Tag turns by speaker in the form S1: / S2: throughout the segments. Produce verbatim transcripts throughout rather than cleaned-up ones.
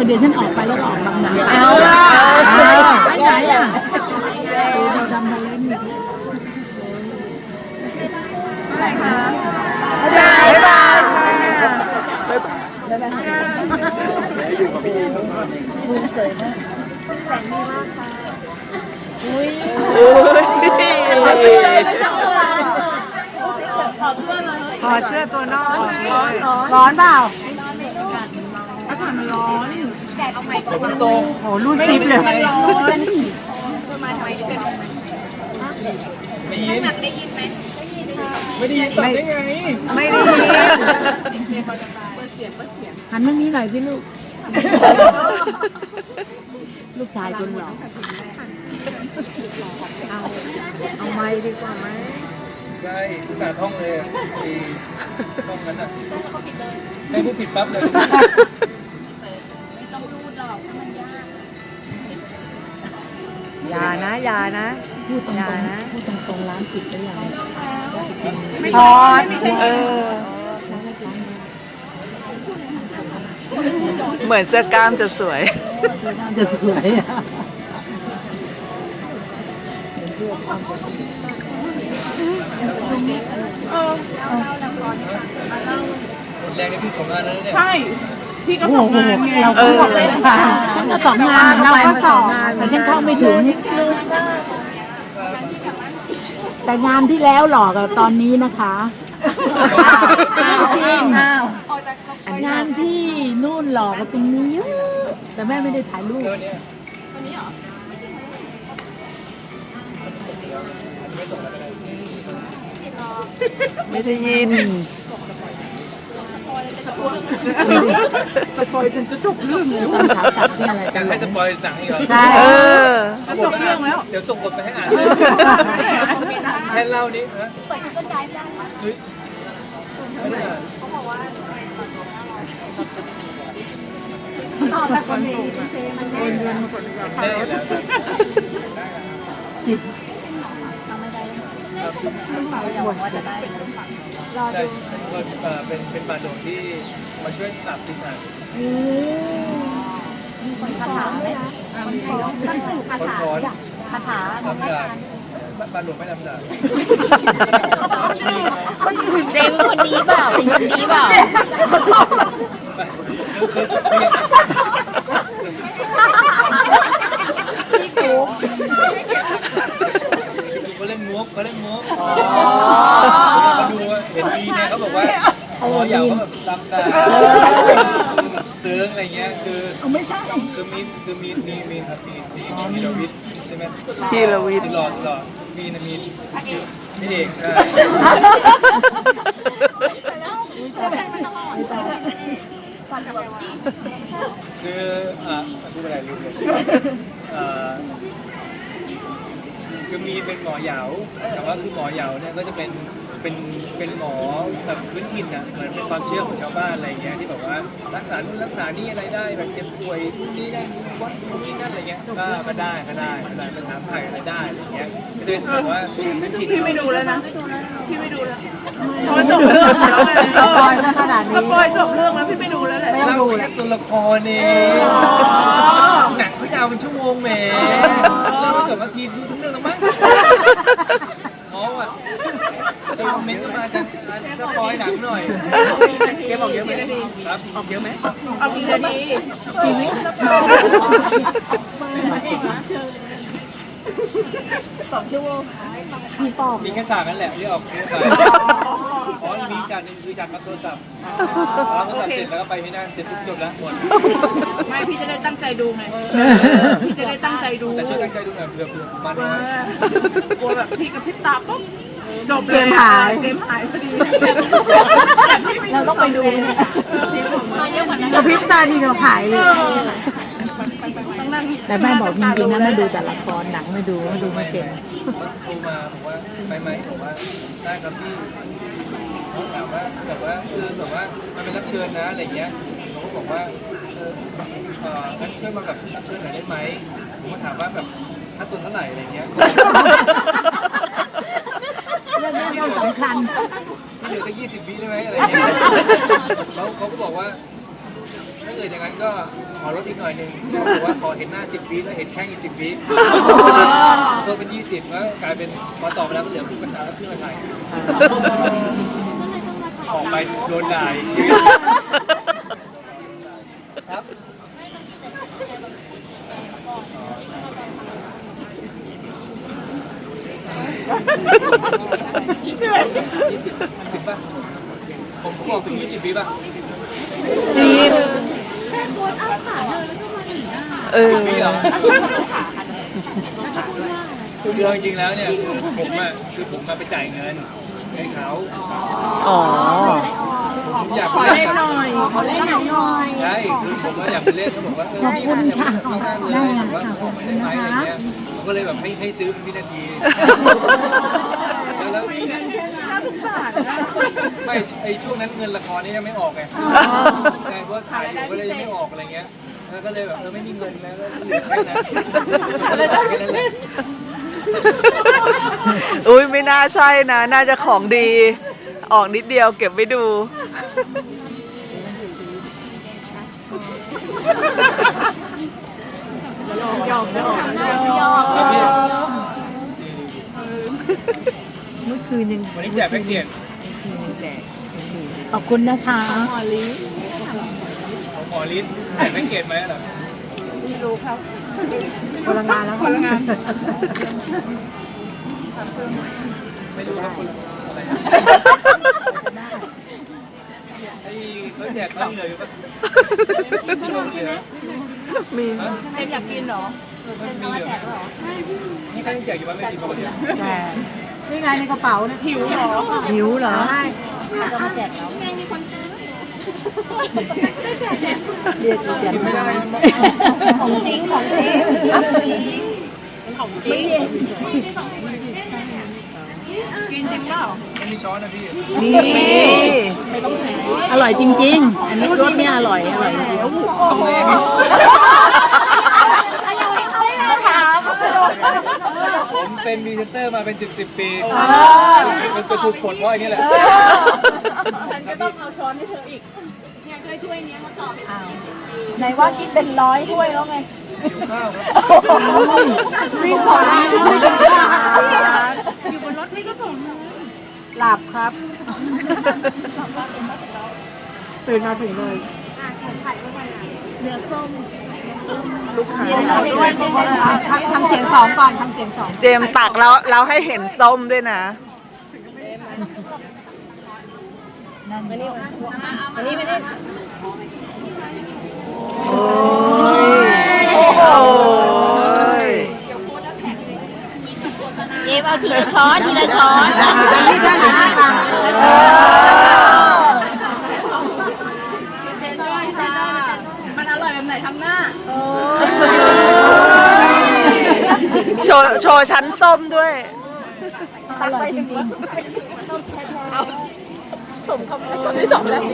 S1: เดี๋ยวฉันออกไปแล้วก็ออกบางนา
S2: เอาล่ะ
S1: ไปไหนอ่ะเราดำทะเลนี่
S2: อะไรคะบ๊ายบายอยู่กับพี่มือสวยมากแสงดีมากค่ะอุ้ยถอดเสื้อตัวนอกร้อนเปล่าอากาศมันร้อนแดดเอาไม้ตรงโอ้รูดซิปเลยมันร้อน
S3: ไม่ยินได้ยินไหมไม่ได้ยินตอบได้ไง
S2: ไม่ได้ยิน
S1: หันมานี้หน่อยพี่ลูกลูกชายคนหล่อ
S2: เอาเอาไม้ดีกว่าไหม
S3: ใช่อุตส่าห์ท่องเลยทีท่องนั้นอ่ะให้ผู้ผิดปั๊บเลย
S2: อย่านะอย่านะ
S1: พูดตรง
S2: อย่านะ
S1: ๆพูดตรงๆร้านปิดได้ยัง
S2: ถอดเออเหมือนเสื้อกล้ามจะสวย
S1: จะสวยอ่ะ
S3: หมดแรงในพี่สองงานแล้วเนี่ย
S4: ใช่พี่ก็สองงานไง
S1: เราก็สองงานฉันก็สองงานเราก็สองงานแต่ฉันเข้าไม่ถึงแต่งานที่แล้วหลอกกับตอนนี้นะคะจริงงานที่นู่นหลอกกับตรงนี้เยอะแต่แม่ไม่ได้ถ่ายรูป
S2: ไม่ได้ยิน
S4: สปอยจนจะจบเรื่องเลย
S1: ตอนขากลับที่อะไร
S3: จะให้สปอยหนังอีกเหรอ
S1: ใช่
S2: เออ
S3: เขาบอกว่าเดี๋ยวส่งบทไปให้อ่านแค่เล่านี้นะเปิดต้นได้ได้เฮ้ยไม่ได้อ่านเขาบอกว่า
S4: ต่อจากคนนี้มันได้เงินมาคนเดียว
S3: ได้แล้ว
S1: จิต
S3: ใช่ก็เป็นเป็นบาดโดที่มาช่วยปรับปีศาจ
S4: คาถาไหมคาถาคาถา
S3: ทำจากบาดหลวงไม่ทำจาก
S5: เจเป็นคนดีเปล่าเป็นคนดีเปล่า
S3: เขาเล่นมุกเขาเล่นมุกเขาดูเห็นดีเนี่ยเขาบอกว่าอ๋ออยากเขาแบบตำตาเซิร์งอะไรเงี้ยคือไม่ใช่คือมีคือมีมีมีครับมีมีมีรวิทย์ใช่ไหม
S2: พี่รวิทย์
S3: ที่รอที่รอมีนะมีพี่เอกใช่คืออ่ะพูดอะไรลืมเลยอ่าคือมีเป็นหมอเหยาแต่ว่าคือหมอเหยาเนี่ยก็จะเป็นเป็นเป็นหมอแบบพื้นถิ่นอ่ะเหมือนเป็นความเชื่อของชาวบ้านอะไรเงี้ยที่แบบว่ารักษานู่นรักษานี่อะไรได้แบบเจ็บป่วยนู่นนี่นั่นวัดนู่นนี่นั่นอะไรเงี้ยก็ก็ได้ก็ได้ก็ได้ปัญหาไถ่อะไรได้อะไรเงี้ยก็จะเป็นแบบว่าพื้นถิ่น
S4: พี่ไม่ดูแล้วนะพี่ไม่ดูแล้วพอจบเรื่องแล้วเลย
S2: สปอยซะขนาดนี้
S4: สปอยจบเรื่องแล้วพี่ไม่ดูแล้วแหละ
S3: เล่าแค่ตัวละครเองหนังเขายาวเป็นชั่วโมงแหมเราไปสองนาทีดูทั้งเรื่องแล้วมั้งอ๋อว่ะจะคอมเมนต์กันมาจะจะปอยหนังหน่อยเกมออกเยอะไหมครับออกเยอะไหม
S4: เอาดีเลยดี
S1: ชีวิต
S4: สองชั่วโมง
S1: พี่ปอบ
S3: มีแค่ฉากนั้นแหละที่ออกเยอะไปอ๋อมีฉากนึงคือฉากรับโทรศัพท์รับโทรศัพท์เสร็จแล้วก็ไปที่นั่นเสร็จปุ๊บจบแล้วหมด
S4: ไม่พี่จะได้ตั้งใจดูไงพี่จะได้ตั้งใจดู
S3: แต่ช่วยตั้งใจดูหน่อยเผื่อเผื่อมัน
S4: ว่ากลัวแบบพี่กับพี่ตาปุ๊บจบเลย
S2: เจมส์หาย
S4: เจมส์หายพอดี
S1: เราต้องไปดู
S2: กระพริบตาทีเดียวหายเลย
S4: ต้องนั่ง
S1: แต่แม่บอกจริงๆนะแม่ดูแต่ละครหนังไม่ดูไม่ดูไม่เก่ง
S3: โทรมาบอกว่าไปไหมบอกว่าได้ครับพี่เขาถามว่าแบบว่าคือแบบว่ามันเป็นรับเชิญนะอะไรเงี้ยผมก็บอกว่าเออเอองั้นช่วยมาแบบรับเชิญหน่อยได้ไหมผมก็ถามว่าแบบค่าตัวเท่าไหร่อะไรเงี้ย
S1: เรื่องนี้ก็สำคัญ
S3: เหลือแค่ยี่สิบวิได้ไหมอะไรเงี้ยเขาเขาก็บอกว่าถ้าเกิดอย่างนั้นก็ขอลดอีกหน่อยหนึงบอกว่าขอเห็นหน้าสิบวิแล้วเห็นแข้งอีกสิบวิตัวเป็นยี่สิบแล้วกลายเป็นพอต่อไปแล้วก็เหลือครึ่งกันตาแล้วครึ่งกันไทยออกไปโดนด่าอีกทีครับยี่สิบถึงป่ะผมบอกถึงยี่สิบวิป่ะ
S2: ซีนเออ
S3: สิบวิเหรอคือจริงๆแล้วเนี่ยผมอ่ะคือผมมาไปจ่ายเงินให้เขา
S2: อ๋อ
S3: ผมอยาก
S4: ขอ
S3: ไป
S4: เล่
S3: เล่
S4: น
S3: น
S4: หน่อยขอเล่นหน่อย
S3: ใช่คือผมก็อยากไปเล่นเขาบอกว่าเออพี่มันอยากไปที่นั่นเลยผมว่าขอมาได้ไหมอะไรเงี้ยผมก็เลยแบบให้ให้ซื้อเป็นวินาทีแล้ว
S4: น่าสงสารนะ
S3: ไม่ไอช่วงนั้นเงินละครนี่ยังไม่ออกไงใช่เพราะถ่ายอยู่ก็เลยยังไม่ออกอะไรเงี้ยแล้วก็เลยแบบเออไม่มีเงินแล้วก็เหลือแค่นั้นแค่นั้นแหละ
S2: อุ้ยไม่น่าใช่นะ น่าจะของดี ออกนิดเดียวเก็บไว้ดู
S4: หยอกหยอก
S3: ครับพี่
S2: เมื่อคืนยัง
S3: วันนี้แจกแพ็กเกจ
S1: ขอบคุณนะคะ
S3: ของหมอฤทธิ์แจกแพ็กเกจไหมเหรอ
S2: พลังงานแล้ว
S4: พลังงาน
S3: ไม่รู้ครับคนอะไรไอ้เขาแจกเขาเลยป่ะที่ลงเลยนะ
S2: มี
S4: เซมอยากกินเหรอ
S3: มันมีเหรอนี่ก็ยังแจกอยู่ว่าไม่สิบคนเดียว
S2: แต่นี่ไงในกระเป๋านะ
S4: หิวเหรอ
S2: หิวเหรอ
S1: จะมาแจกแล้ว
S4: แม่มีคนซื้อ
S1: เรียกแจก
S3: กินไม่ได้นะ
S4: ของจริงของจริงของจริงกินจริงเปล่า
S3: ไม่มีช้อนนะพี่
S2: นี่
S1: ไม่ต้องแฉอร่อยจริง ๆ อันนี้รสเนี่ยอร่อย อร่อยจริง
S3: ทำไงครับผมเป็นพรีเซนเตอร์มาเป็นสิบสิบปีมันจะถูกผลเพราะอันนี้แหละ
S4: ฉันก็ต้องเอาช้อนให้เธออีกเนี่ยช่วยถ้วยนี้มาต่อเป็น
S1: ไหนว่ากินเป็นร้อยถ้วยแล้วไง
S3: หิวข้าวครับ
S2: วิ่งสองล้านวิ่งสองล้าน
S4: อยู่บนรถนี่ก็ส่ง
S2: หลับครับ ตื่นมาถึงเลย ลูกค้าทำทำเสียงสองก่อนทำเสียงสอง เจมตักแล้วเราให้เห็นส้มด้วยนะ
S1: นั่น
S2: โอ้ย
S5: เจมเอาทีละช้อนทีละช้อน
S2: ด้านนี้ด้านนี้ฟังเออ
S4: มันอร่อยแบบไหนทำหน้า
S2: โชว์โชว์ชั้นส้มด้วย
S1: อร่อยจริง
S4: ชมคำคนที่สองแล้ว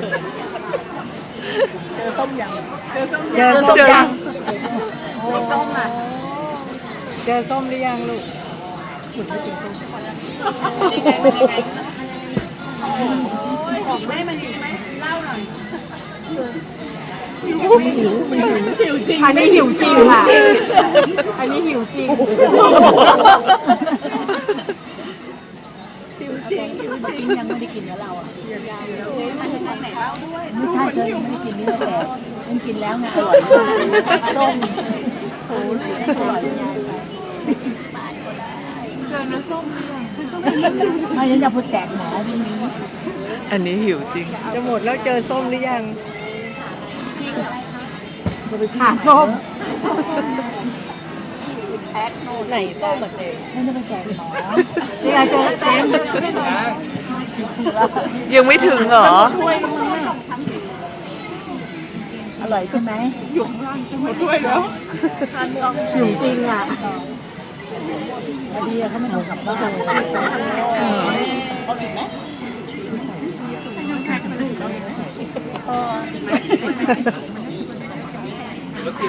S2: เจอส้มยัง
S1: ๆ
S2: เจอส้มยังเจอส้มหรือยังลูก
S4: ดีไหมมันดีไหมเล่าหน่อย
S2: อันนี้หิวจริงค่ะ อันนี้หิวจริง หิวจริง หิวจริง
S1: ยังไม่ได้กินแล้วเราอ่ะ
S4: มันจะไหนเล่าด้วย
S1: ไม่ใช่เธอยังไม่ได้กินเนื้อแต่มันกินแล้วไงอร่อยมากส้มโชว์เลยอร่อยมาก
S4: เจอเนื้อส้ม
S1: ไม่ฉันจะพูดแจกหมอพรุ่งนี้
S2: อันนี้หิวจริง จะหมดแล้วเจอส้มหรือยังหาส้ม ไหนส้มอ่ะเจ๊
S1: ไม่ได้ไปแจกหมอ
S2: นี่ไงเจอแล้วเจ๊
S3: ช้าง
S2: ยังไม่ถึงเหรอ
S1: อร่อยใช่ไหม
S4: ด้วยแล้ว
S2: หิวจริงอ่ะ
S1: พอดีอะเขาไม่เอากลับบ้านเอาอีกไหม
S3: รถติด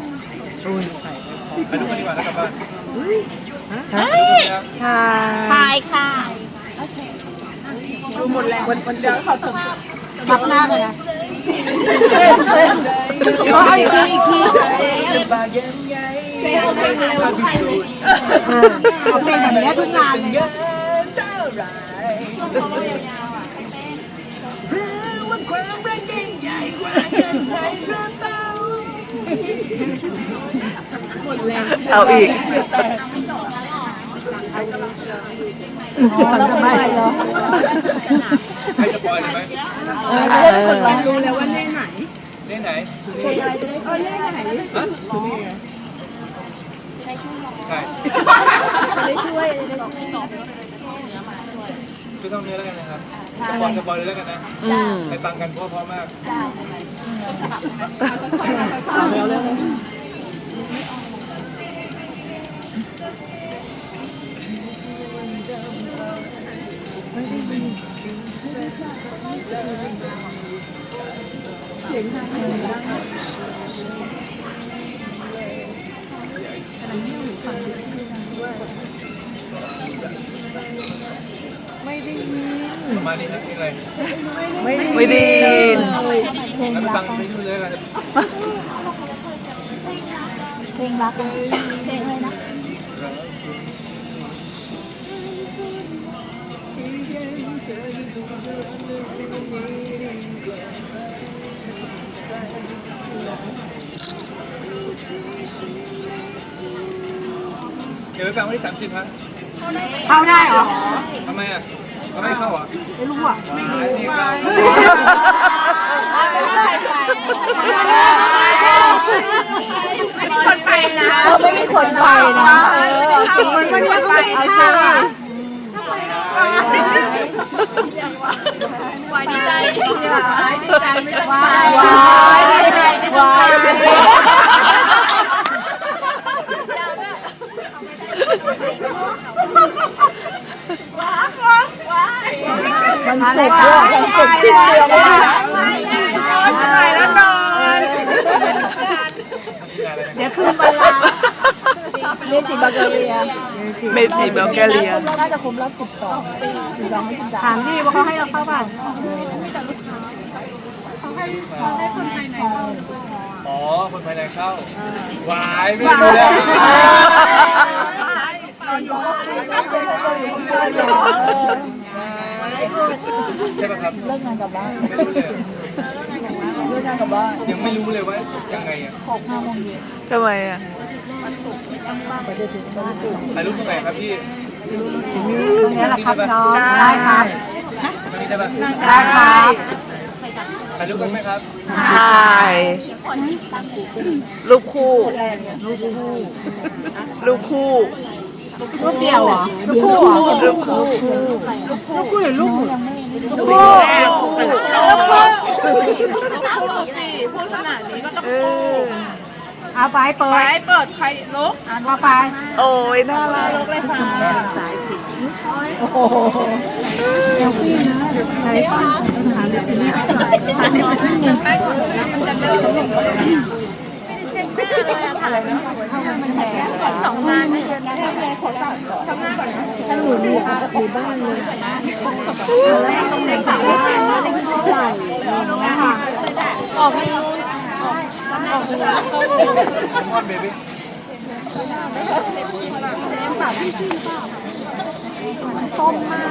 S3: ไปดูกันดีกว่าแล้วกลับบ้าน
S2: ฮะค่ะ
S5: ทายค่ะ
S4: ดูหมดแล้ววันวันเดียวเขาส่ง
S2: ซับหน้าเลยนะเอาอีกทีอีกที
S3: ลำบากยังไง
S1: เอาเพลงเร็ว
S3: ถ้าพิสูจน์
S2: เออเอาเพลงแบบนี้ทุกงานเลย
S3: เงินเท่าไหรหรือว่าความรักยิ่งใหญ่กว่าเงินในกระเป๋า
S2: เอาอีก
S1: อ๋อแล้วทำไมเหรอ
S3: ให้สปอยเลยไหม
S1: เออจะได้คนร้องรู้แล้วว่า
S3: เล่นไหน
S1: เพลงอะไรจะได้เออเล่นไหน
S3: ฮะใช่
S1: จะได้ช่วยจะได้ช่วย
S3: คือต้องเนื้อแล้วกันนะครับสปอยสปอยเลยแล้วกันนะ
S2: อืม
S3: ไปฟังกันเพราะๆมาก
S2: ไม่ได้ยิน
S3: ประมาณนี้ครับเพลงอะไร
S2: ไม่ได้ไม่ได้ยิน
S1: เพลง
S3: แล้วไป
S1: รั
S3: ฟั
S1: ก
S3: งเพลงนู้นเลยแล้วกัน
S1: เพลงรักเพลงอะไรนะ
S3: เดี๋ยวไปฟังวันที่สามสิบครับ
S2: เข้าได้เหรอ
S3: ทำไมอ่ะทำไมเข้าอ่ะ
S2: ไม่รู้อ่ะ
S3: ไม่รู้นี่เข้า
S1: คนไปนะเออไม่มีคนไปนะเออ
S2: มันก็เรียกว่าไปข้าวอ่ะ
S1: วายดีใจวายดีใจไม่ต้องวายวายวายมันสุกด้วยมันสุกสิ้นเดือนแล้ว
S2: ไปแล้วนอนเดี๋ยวคืนวันลา
S1: เมจิบัลแกเรีย
S2: เมจิเบลแกเรีย
S1: น่าจะครบรอบสิบสองปีสิบสองไม่สิบสาม
S2: ถามดิว่าเขาให้เราเข้าบ้าน
S3: อ๋อ คนภายในเข้า วายไม่รู้แล้วใช่ป่ะครับ
S1: เลิกงานกลับบ้าน
S3: ไม่รู้เลย
S1: เลิกงานกลับบ้าน
S3: ยังไม่รู้เลยว่ายังไงอ่ะ
S1: หกห้าโมงเย็น
S2: ทำไมอ่ะ
S1: ไปจะถึงวันศุกร์
S3: ถ่ายรูปตรงไหนครับพี่
S2: ตรงนี้แหละครับน้องได้ครับ
S3: ตรงนี้ได้ป่ะ
S2: ได้ครับ
S3: ถ่ายรูปกันไหมครับ
S2: ถ่ายรูปคู่รูปคู่รูปคู่รูปเดียวเหรอรูปคู่เหรอรูปคู่รูปคู่หรือรูปหมู่รูปคู่รูปคู่พูดขนาดนี้ก็ต้องเอาไปเปิดไปเปิดใครลุกเอาไปโอ้ยน่ารักเลยค่ะสายสิโอ้โหเอลฟี่นะใครฟังหาเด็กชิ้นนี้ทานเด็กชิ้นนี้ไปก่อนจะเลิกอะไรนะมันแหก่อนสองงานไม่เกินนะแม่ขอสั่งก่อนสองงานก่อนนะถ้าหนูอยู่อยู่บ้านเลยต้องเด็กสาวบ้านนะเด็กผู้ใหญ่นะคะออกไม่รู้ออกไม่รู้
S3: มอนเบบี้
S1: ส้มมาก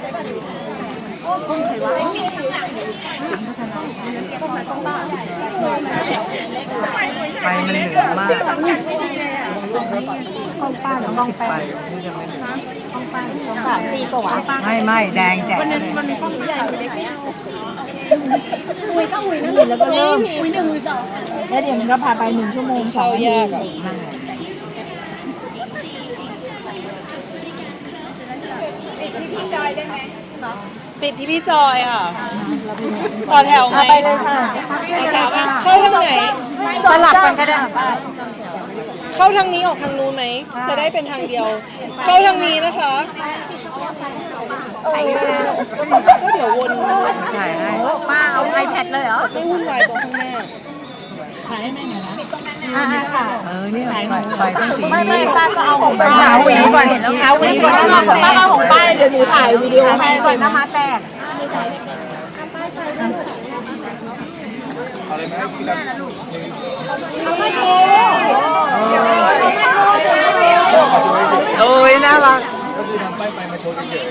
S2: ไปมันเหนือมากกล้องป้าหรือกล้องแป้ง
S1: สามสี่ปะวะ
S2: ไม่ไม่แดงแจ๋มันมันมีกล้องใหญ่เล็ก
S1: คุยก็คุยนั่นแหละแล้วก็เริ่มคุยหนึ่งคุยสองแล้วเดี๋ยวมันก็พาไปหนึ่งชั่วโมงสองนาที
S4: ปิดที่พี่จอยได้ไหมปิดที่พี่จอยค่ะต่อแถวไหม
S1: ไปเลยค่ะ
S4: เข้าทางไหน
S2: สลับกันก็ได้
S4: เข้าทางนี้ออกทางนู้นไหม จะได้เป็นทางเดียว เข้าทางนี้นะคะก็เดี๋ยววน
S2: ถ่ายให้
S1: ป้าเอาไอแพดเลยเหรอ
S4: ไม่วุ่นวายตรงข้างหน้า
S1: ถ่ายให้แม่หน่อยนะอ่าค่ะ
S2: เออนี่ไฟไฟต้องสี
S1: ไม่ไม่
S2: นี้
S1: ป้าก็เอาของป้า
S2: หาหวีก่อนหาหวีก่อน
S1: ป้าเอาของป้าเดี๋ยวหนูถ่ายวิดีโอให้
S2: ก่อนน้ำมาแตก
S3: เลยไหมพี่ครับหนึ่ง
S2: เอามาโชว์
S6: โอ้ยน่ารัก
S3: ก็คือทำป้ายไฟมาโชว์เฉย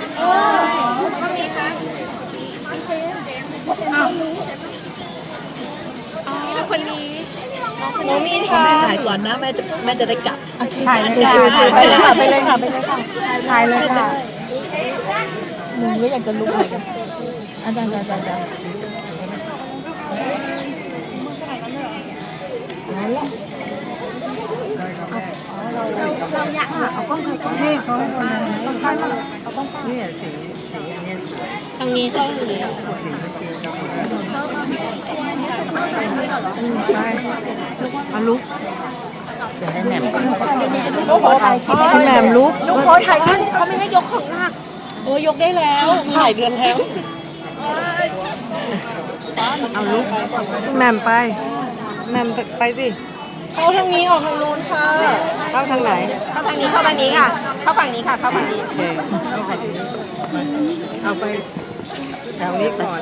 S4: หนูมีทา
S1: ถ่ายก่อนนะแม่จะแม่จะได้กลับ
S2: ถ่ายเลยค่ะไปเลยค่ะไปเลยค่ะไปเลยค่ะถ่ายเลยค่ะ
S1: มึงก็อยากจะลุกเหมือนกันอาจารย์อาจารย์อาจารย์นั่นแหละ
S2: เราอยากเอากล้องใครกล้องให้เขาต้องการเอากล้อง
S6: เนี่ยสีสีอันเนี้ยสวย
S4: ทางนี้เข้าทางนี้
S6: สีเมื่อกี้ใช่เอาลุกเดี๋ยวให้แหม่มก่อน
S2: ลูกขอถ่ายคลิป
S6: ให้แหม่มลุก
S2: ลูกขอถ่ายคลิปเขาไม่ให้ยกของหนัก
S4: โอ้ยกได้แล้วถ่ายเดือนแล้ว
S6: เอาลุกแหม่มไปแหม่มไปสิ
S4: เข้าทางนี้ออกทางนู้นค่ะ
S6: เข้าทางไหน
S4: เข้าทางนี้เข้าทางนี้ค่ะ เข้าฝั่งนี้ค่ะ เข้าฝั่งนี้
S6: โอเคเอาไปแถวนี้ก่อน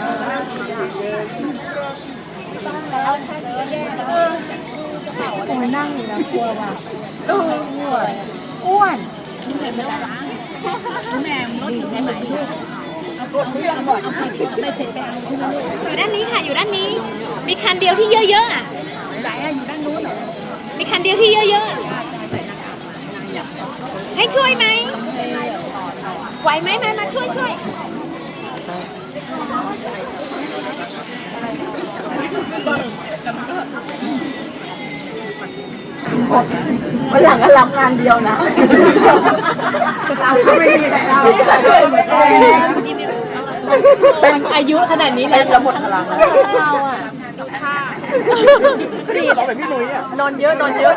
S2: คงนั่งอยู่แล้วกลัวว่ะอ้วน
S5: อยู่ด้านนี้ค่ะ อยู่ด้านนี้ มีคันเดียวที่เยอะๆอ่ะไหนอ่ะอยู่ด้านนู้นเหรอ มีคันเดียวที่เยอะๆอะให้ช่วยไหมไหวไหมมามาช่วยช่วย
S1: วันหลังก็รับงานเดียวนะ
S2: เราก็ไม่มีแต่เรา
S1: เป็นอายุขนาดนี้แล้วจะหมดพลังเราอ่ะ
S6: พี่เราแบบพี่หนุ่ยอ่ะ
S1: นอนเยอะนอนเยอะ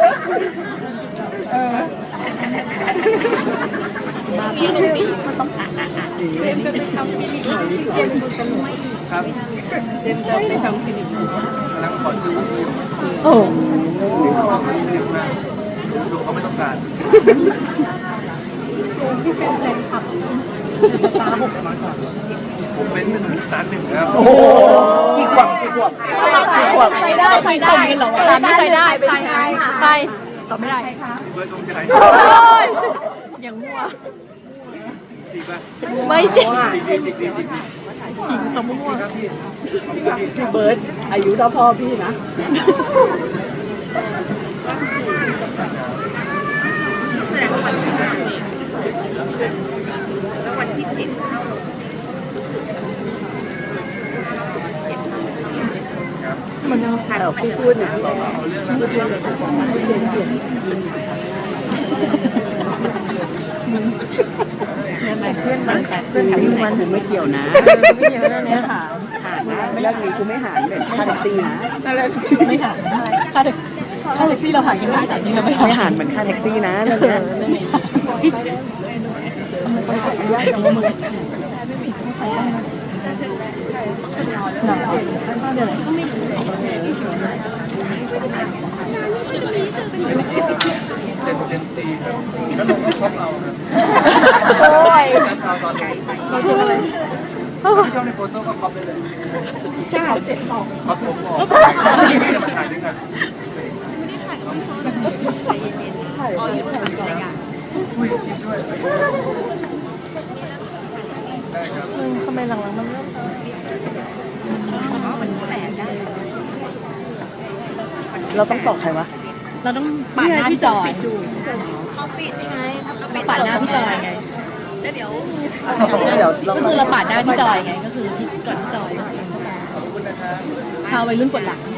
S3: ๆครับเล่นจะไปทำคลินิกกำลังขอซื้อวุ้นอยู่
S1: โอ้
S3: ไม่ได้มาสูงเขาไม่ต้องการผมเป็นหนึ่งล้านหนึ่งแล้ว
S6: โอ้โหกี่ขวบกี่ขวบกี่ขวบ
S1: ใครได้ใครได้หรอตอนนี้ใครได้ใครใครตอบไม่ได้
S3: เบิร์ดตรงใจ
S1: อย่างมั่ว
S3: สี่ป่ะ
S1: ไม่จริง
S3: สี่ดีสี่ดีสี่ดี
S1: ขิงตอบมั่ว
S3: ครับพี่
S6: พี่เบิร์ดอายุเท่าพ่อพี่นะ
S1: มันยังถ่ายออกพูดนะมันเพื่อนมันเพื่อนของมัน
S6: กูไม่เกี่ยวนะ
S1: ไม่เยอะนะเนี่ยค่ะ
S6: หารนะเรื่องนี้กูไม่หารเลยค่าแท็กซี่นะ
S1: ไม่หาค่าแท็กค่าแท็กซี่เราหากันได้แต่นี่เราไม่หา
S6: ไม่หารเหมือนค่าแท็กซี่นะเรื่องนี้
S3: เจนเจนซีครับแล้วลงก็ชอบเราครับ
S1: โอ้ย
S3: จะชาวตอนนี้
S1: เราชื่ออะไร
S3: ชอบในโฟโต้ก็คอปได้เลย
S1: เก้าเจ็ดสอง
S3: คอปผมบอกจะมาถ่ายด้วยกันอุ้ยคิดด้วยได้ครับ
S1: ทำไมหลังๆมันเริ่ม
S6: เราต้องตอบใครวะ
S1: เราต้องปาดหน้าพี่จอยเขาปิดยังไงปาดหน้าพี่จอยไง
S6: เดี๋ยวเรา
S1: ก็คือเราปาดหน้าพี่จอยไงก็คือพี่ก่อนพี่จอย
S3: ขอบคุณนะครับ
S1: ชาววัยรุ่นปวดหลัง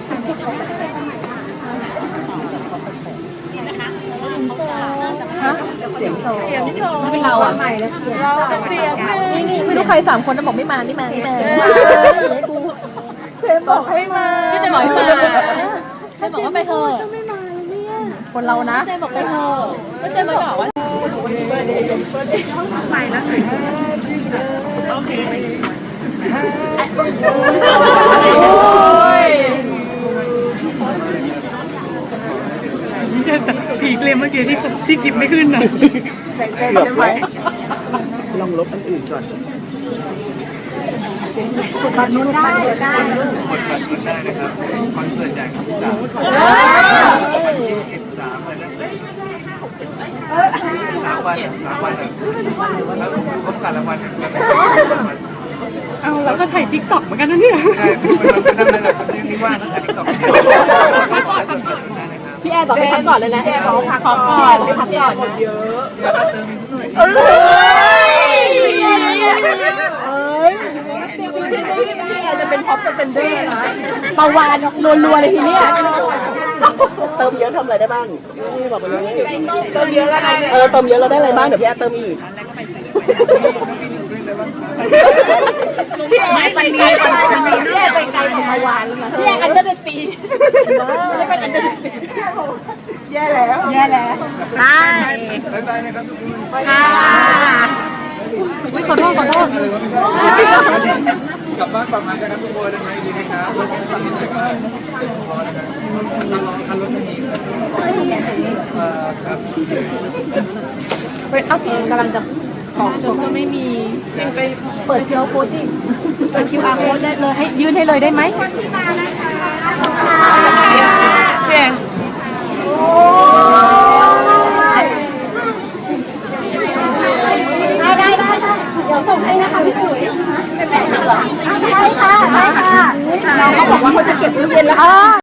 S1: ฮะ
S6: เสียงโต
S1: เสียงโซถ้าเป็นเราอ่ะ
S2: เราเป็นเสียงหนึ่ง
S1: นี่นี่ไม่รู้ใครสามคนจะบอกไม่มาไม่มาไม่มาให้กู
S2: เทมบอกให้มา
S1: ก็จะบอกให้มาจะบอกว่าไปเถอะคนเรานะเจบอกไปเถอะก็เจมาบอกว่าไปแล้วโอเค
S2: ผีเกลมเมื่อกี้ที่ที่กิบไม่ขึ้นนะ
S6: เกือบแล้วลองลบอันอื่นก่อน
S1: บัตรนู้นได้ได้
S3: กดบัตรได้นะครับคอนเสิร์ตใหญ่ครับสามวันที่สิบสามเลยนะสามวันสามวันแล้วดูพร้อมกันละวัน
S5: เอาแล้วก็ถ่ายติ๊กต็อกเหมือนกันนะเนี่ย
S3: ใช่เป็นวันเป็นนั่นเลยแบบนี้ว่างตั้งแต่ติ๊กต็อก
S1: พี่แอร์บอกให้พักก่อนเลยนะพี่แอร์บอกพักก่อนพี่พักก่อนนะ
S3: เยอะอยากเติมอีกหน่อย
S1: เอ้ยพี่แอร์จะเป็นท็อปสเปนเดอร์นะประวานรัวๆเลยทีเนี้ย
S2: เติมเยอะทำอะไรได้บ้างนี่บอกไปเลยเติมเยอะแล้วเออเติมเยอะเราได้อะไรบ้างเดี๋ยวพี่แอดเติมอีก
S1: พี่แอร์ไปไกลมันมีพี่แอร์ไปไกลของประวานแล้วนะพี่แอร์อันเดอร์เดอะซีไม่เป็นอันเดอร์เดอะซีแย่แล้วแย่แล้ว
S2: ได้
S3: บ๊ายบายนะครับทุกคน
S2: ค่ะ
S1: ขอโทษขอโทษ
S3: กลับบ้านปลอดภัยนะครับทุกคนนะครับดีนะครับรถคันนี้หน่อยก็พอนะครับคันรถคันนี้ครับ
S1: ไปเอาผีกำลังจะของผมก็ไม่มีไปเปิด คิว อาร์ โค้ดดิเปิด คิว อาร์ โค้ดได้เลยให้ยื่นให้เลยได้ไหมเพียงได้ได้ได้เดี๋ยวส่งให้นะคะพี่ปุ๋ยเป็นแบบนี้เหรอได้ค่ะได้ค่ะน้องเขาบอกว่าเขาจะเก็บตู้เย็นแล้ว